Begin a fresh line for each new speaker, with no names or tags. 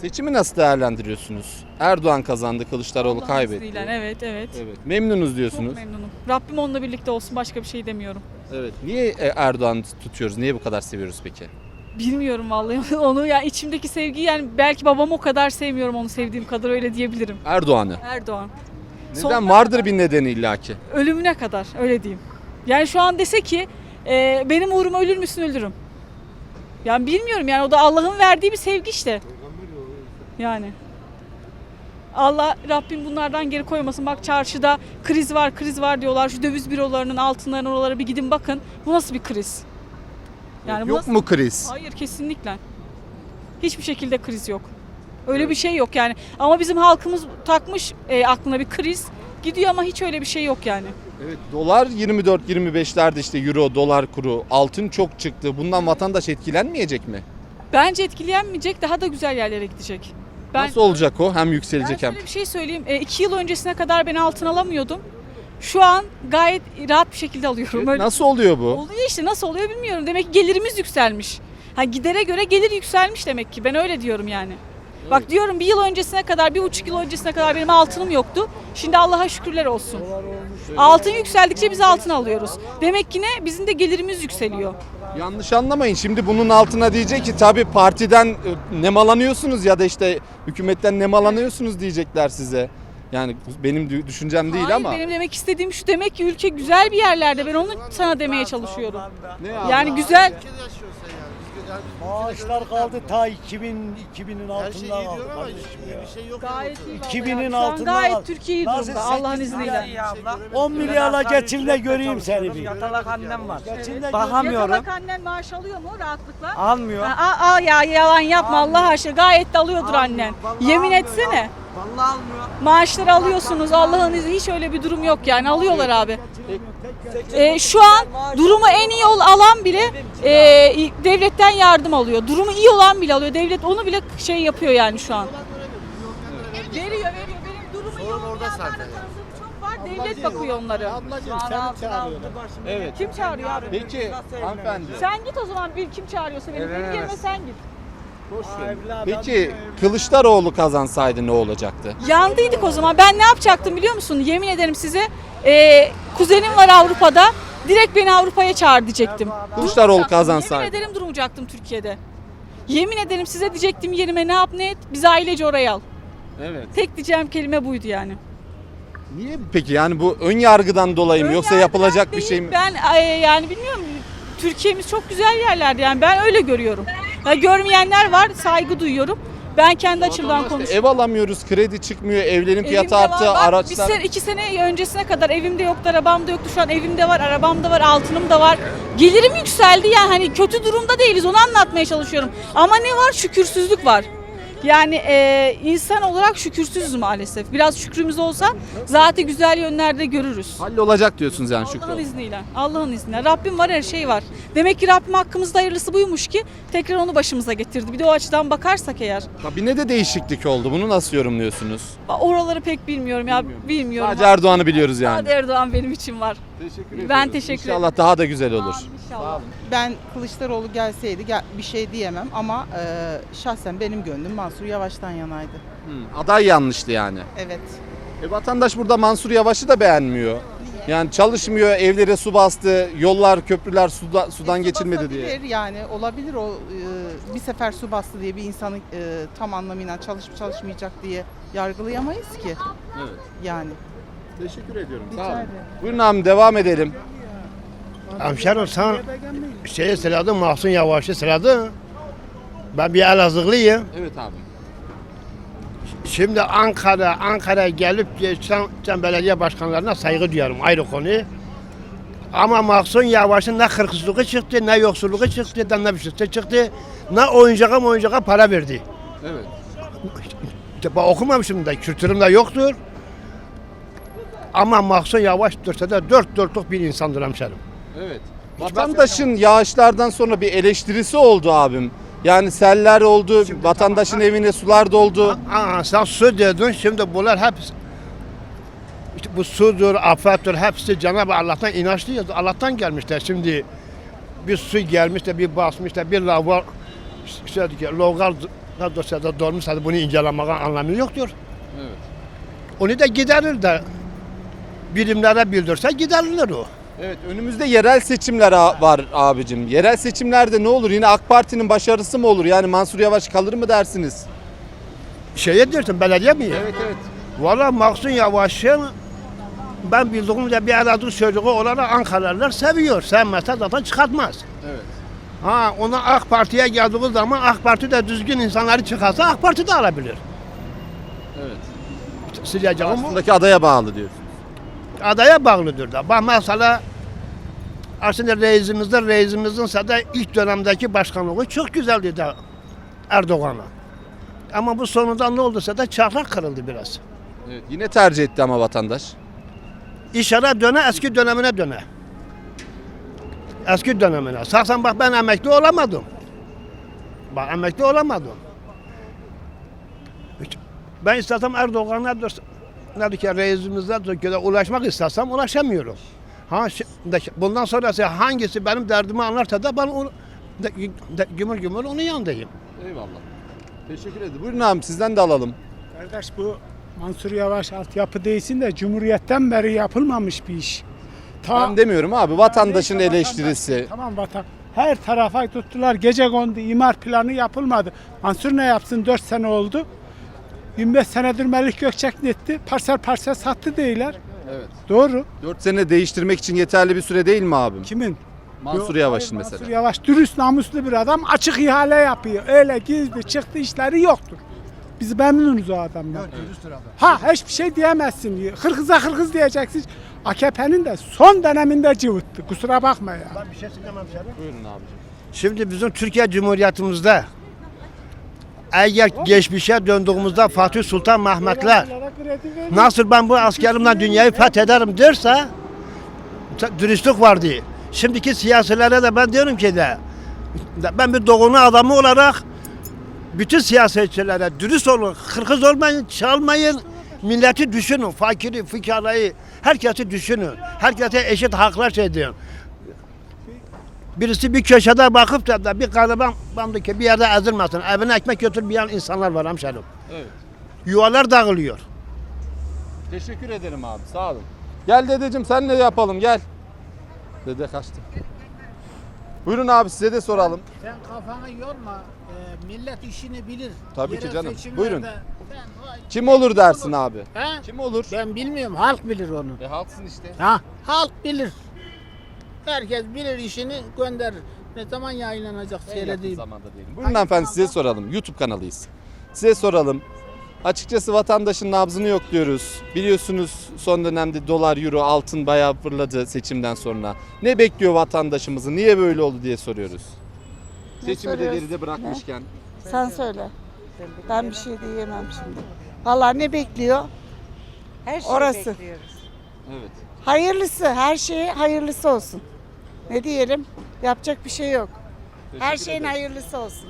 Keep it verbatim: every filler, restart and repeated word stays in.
Seçimi nasıl değerlendiriyorsunuz? Erdoğan kazandı, Kılıçdaroğlu
Allah'ın
kaybetti.
izniyle, Evet, evet.
Evet. Memnunuz
Çok
diyorsunuz.
memnunum. Rabbim onunla birlikte olsun, başka bir şey demiyorum.
Evet. Niye e, Erdoğan'ı tutuyoruz? Niye bu kadar seviyoruz peki?
Bilmiyorum vallahi onu, yani içimdeki sevgi, yani belki babam o kadar sevmiyorum onu sevdiğim kadar, öyle diyebilirim.
Erdoğan'ı.
Erdoğan.
Neden?
Sonuna
Vardır
kadar.
bir nedeni illaki.
Ölümüne kadar, öyle diyeyim. Yani şu an dese ki e, benim uğruma ölür müsün, ölürüm. Yani bilmiyorum, yani o da Allah'ın verdiği bir sevgi işte. Yani. Allah Rabbim bunlardan geri koymasın. Bak çarşıda kriz var, kriz var diyorlar. Şu döviz bürolarının altınlarının oralara bir gidin bakın. Bu nasıl bir kriz? Yani bu
Yok
nasıl-
mu kriz?
Hayır, kesinlikle. Hiçbir şekilde kriz yok. Öyle bir şey yok yani. Ama bizim halkımız takmış e, aklına bir kriz. Gidiyor ama hiç öyle bir şey yok yani.
Evet, dolar yirmi dört yirmi beşlerde, işte euro, dolar kuru, altın çok çıktı. Bundan vatandaş etkilenmeyecek mi?
Bence etkilenmeyecek, daha da güzel yerlere gidecek. Ben,
Nasıl olacak o? Hem
ben
yükselecek hem.
şöyle bir şey söyleyeyim. E, iki yıl öncesine kadar ben altın alamıyordum. Şu an gayet rahat bir şekilde alıyorum.
Evet,
Öyle-
nasıl oluyor bu?
Oluyor işte, nasıl oluyor bilmiyorum. Demek ki gelirimiz yükselmiş. Ha, gidere göre gelir yükselmiş demek ki. Ben öyle diyorum yani. Bak diyorum, bir yıl öncesine kadar, bir buçuk yıl öncesine kadar benim altınım yoktu. Şimdi Allah'a şükürler olsun. Altın yükseldikçe biz altın alıyoruz. Demek ki ne? Bizim de gelirimiz yükseliyor.
Yanlış anlamayın. Şimdi bunun altına diyecek ki tabii partiden e, nemalanıyorsunuz ya da işte hükümetten nemalanıyorsunuz diyecekler size. Yani benim dü- düşüncem değil
Hayır,
ama.
benim demek istediğim şu, demek ki ülke güzel bir yerlerde. Ben onu sana demeye çalışıyorum.
Ne abi?
Yani güzel.
Maaşlar kaldı ta iki bin iki binin
Her şey iyi
altında
diyor
kaldı
ama
kardeşim
iyi
ya.
bir şey yok.
Gayet iyi.
iki
vallahi.
binin
Şu an
altında
gayet
kaldı.
Türkiye iyi
Nasıl
durumda Allah'ın
sekiz
izniyle.
milyar? on milyarla geçimde göreyim seni bir.
Yatalak annem var.
Geçimde
Bakamıyorum.
Yatalak annen maaş alıyor mu rahatlıkla?
Almıyor.
Aa, aa ya, yalan yapma Allah aşkına, gayet de alıyordur
Almıyor,
annen.
vallahi
Yemin
almıyor
etsene.
ya. Vallahi almıyor.
Maaşları alıyorsunuz Allah'ın izniyle, hiç öyle bir durum yok yani, alıyorlar abi. Ee, şu an durumu en iyi ol- alan bile e, devletten yardım alıyor. Durumu iyi olan bile alıyor. Devlet onu bile şey yapıyor yani şu an. Veriyor, veriyor. Benim durumu iyi
Sorun orada
olmayanlarla
zaten.
tanıdığım çok var. Devlet bakıyor onlara.
Ablacığım seni çağırıyorlar.
Evet.
Kim çağırıyor abi?
Peki hanımefendi.
Sen git o zaman, bir kim çağırıyorsa benim, benim yerime sen git.
Peki Kılıçdaroğlu kazansaydı ne olacaktı?
Yandıydık o zaman. Ben ne yapacaktım biliyor musun? Yemin ederim size. Ee, kuzenim var Avrupa'da. Direkt beni Avrupa'ya çağır diyecektim.
Kılıçdaroğlu
Durmayacaktım.
kazansaydı.
Yemin ederim durmayacaktım Türkiye'de. Yemin ederim size, diyecektim yerime ne yap ne et, bizi ailece oraya al.
Evet.
Tek diyeceğim kelime buydu yani.
Niye peki, yani bu ön yargıdan dolayı mı,
Ön
yoksa
yargıdan
yapılacak bir
değil,
şey mi?
Ben e, yani bilmiyorum. Türkiye'miz çok güzel yerlerde, yani ben öyle görüyorum. Ya, görmeyenler var, saygı duyuyorum. Ben kendi açımdan
İşte
konuşuyorum.
ev alamıyoruz, kredi çıkmıyor, evlerin fiyatı
Evimde
arttı,
var, bak,
araçlar.
Bir sene, iki sene öncesine kadar evimde yoktu, arabam da yoktu. Şu an evimde var, arabam da var, altınım da var. Gelirim yükseldi, yani hani kötü durumda değiliz, onu anlatmaya çalışıyorum. Ama ne var? Şükürsüzlük var. Yani e, insan olarak şükürsüzüz maalesef. Biraz şükrümüz olsa zaten güzel yönlerde görürüz.
Hallolacak diyorsunuz yani Şükrü.
Allah'ın izniyle. Allah'ın izniyle. Rabbim var, her şey var. Demek ki Rabbim hakkımızda hayırlısı buymuş ki tekrar onu başımıza getirdi. Bir de o açıdan bakarsak eğer.
Kabinede değişiklik oldu. Bunu nasıl yorumluyorsunuz?
Oraları pek bilmiyorum ya. Bilmiyorum.
Sadece Erdoğan'ı biliyoruz yani.
Sadece Erdoğan benim için var.
Teşekkür
Ben teşekkür ederim.
İnşallah daha da güzel olur.
İnşallah.
Ben Kılıçdaroğlu gelseydi gel- bir şey diyemem ama e, şahsen benim gönlüm Mansur Yavaş'tan yanaydı.
Hı, aday yanlıştı yani.
Evet.
E, vatandaş burada Mansur Yavaş'ı da beğenmiyor. Yani çalışmıyor, evlere su bastı, yollar, köprüler suda, sudan
E, su
geçilmedi diye.
basabilir Yani olabilir o e, bir sefer su bastı diye bir insanı e, tam anlamıyla çalışıp çalışmayacak diye yargılayamayız ki.
Evet.
Yani.
Teşekkür ediyorum.
Rica
Sağ olun.
ederim.
Buyurun abi, devam edelim.
Hemşerim sen şeyi söyledin, Mahsun Yavaş'ı söyledin. Ben bir Elazığlıyım.
Evet abi.
Şimdi Ankara, Ankara'ya gelip geçen, geçen belediye başkanlarına saygı duyarım, ayrı konu. Ama Mahsun Yavaş'ın ne hırsızlığı çıktı, ne yoksulluğu çıktı, ne bir şey çıktı, ne oyuncağa oyuncağa para verdi.
Evet.
İşte ben okumamışım da, kültürüm de yoktur. Ama Mahsun Yavaş dörtte de dört dörtlük bir insandır hemşerim.
Evet. Vatandaşın yağışlardan sonra bir eleştirisi oldu abim. Yani seller oldu, vatandaşın evine sular doldu.
Aa, sen su dedin, şimdi bunlar hep işte bu sudur, afettir, hepsi Cenab-ı Allah'tan inançlıyız. Allah'tan gelmişler. Şimdi bir su gelmiş de bir basmış da bir lavar işte logal Ya dosyada dolmuşsa bunu incelemeye anlamı yoktur.
Evet.
Onu da giderir de birimlere bildirse giderilir o.
Evet, önümüzde yerel seçimler a- var abicim. Yerel seçimlerde ne olur? Yine AK Parti'nin başarısı mı olur? Yani Mansur Yavaş kalır mı dersiniz?
Şeye diyorsun belediye mi?
evet.
Valla Mahsun Yavaş'ın ben bildiğimde bir aradığı çocuğu olarak Ankaralılar seviyor. Sevmezse zaten çıkartmaz.
Evet.
Ha ona AK Parti'ye geldiği zaman AK Parti de düzgün insanları çıkarsa AK Parti de alabilir.
Evet.
Sileceğim bu
Aslındaki adaya bağlı diyorsun.
adaya bağlıdır da. Bak mesela aslında reisimizde reisimizin de ilk dönemdeki başkanlığı çok güzeldi de Erdoğan'a. Ama bu sonunda ne olduysa da çarklar kırıldı biraz.
Evet. Yine tercih etti ama vatandaş.
İşara döne eski dönemine döne. Eski dönemine. Saksan bak ben emekli olamadım. Bak emekli olamadım. Hiç- Ben istesem Erdoğan'a ne ki reisimizden Türkiye'de ulaşmak istesem ulaşamıyorum. Ha şi- bundan sonrası hangisi benim derdimi anlarsa da ben onu de, de, gümür gümür onun yanındayım.
Eyvallah. Teşekkür ederim. Buyurun abi sizden de alalım.
Kardeş bu Mansur Yavaş altyapı değilsin de Cumhuriyet'ten beri yapılmamış bir iş. Ta,
Ben demiyorum abi vatandaşın
Neyse,
eleştirisi.
vatandaş- Tamam vatan. Her tarafa tuttular. Gece kondu. İmar planı yapılmadı. Mansur ne yapsın? dört sene oldu. yirmi beş senedir Melik Gökçek ne etti? Parsel parsel sattı değiller.
Evet.
Doğru.
dört sene değiştirmek için yeterli bir süre değil mi abim?
Kimin?
Mansur
Yok,
Yavaş'ın
hayır,
mesela.
Mansur Yavaş dürüst namuslu bir adam. Açık ihale yapıyor. Öyle gizli çıktı işleri yoktur. Biz memnunuz o adamdan. Ha hiçbir şey diyemezsin. Hırkıza hırkız diyeceksin. A K P'nin de son döneminde cıvıttı. Kusura bakma ya.
Ben bir şey söylemem sana.
Buyurun abicim.
Şimdi bizim Türkiye Cumhuriyetimizde eğer geçmişe döndüğümüzde Fatih Sultan Mehmetler nasıl ben bu askerimle dünyayı fethederim derse dürüstlük vardı. Şimdiki siyasilere de ben diyorum ki de ben bir doğunu adamı olarak bütün siyasetçilere dürüst olun, hırkız olmayın, çalmayın, milleti düşünün, fakiri, fukarayı, herkesi düşünün. Herkese eşit haklar şey diyor. Birisi bir köşede bakıp da, da bir gariban bandı ki bir yerde ezilmesin. Evine ekmek götürmeyen insanlar var hemşerim.
Evet.
Yuvalar dağılıyor.
Teşekkür ederim abi sağ olun. Gel dedeciğim sen ne yapalım gel. Dede kaçtı. Buyurun abi size de soralım.
Sen kafanı yorma. Ee, millet işini bilir.
Tabii ki
Yerel
canım.
seçimlerde
Buyurun.
sen- vay,
Kim olur dersin abi?
He?
Kim olur?
Ben bilmiyorum. Halk bilir onu.
E halksın işte.
Ha? Halk bilir. Herkes bilir işini gönderir. Ne zaman yayınlanacak
En yakın
seyredeyim.
zamanda diyelim. Buyurun hanımefendi size soralım. YouTube kanalıyız. Size soralım. Açıkçası vatandaşın nabzını yokluyoruz. Biliyorsunuz son dönemde dolar, euro, altın bayağı fırladı seçimden sonra. Ne bekliyor vatandaşımızı? Niye böyle oldu diye soruyoruz. Seçimi de
soruyoruz?
geride bırakmışken.
Sen söyle. Ben bir şey diyemem şimdi. Vallahi ne bekliyor?
Her şeyi
Orası.
bekliyoruz.
Evet.
Hayırlısı, her şeye hayırlısı olsun. Ne diyelim? Yapacak bir şey yok. Her
Teşekkür
şeyin
ederim.
hayırlısı olsun.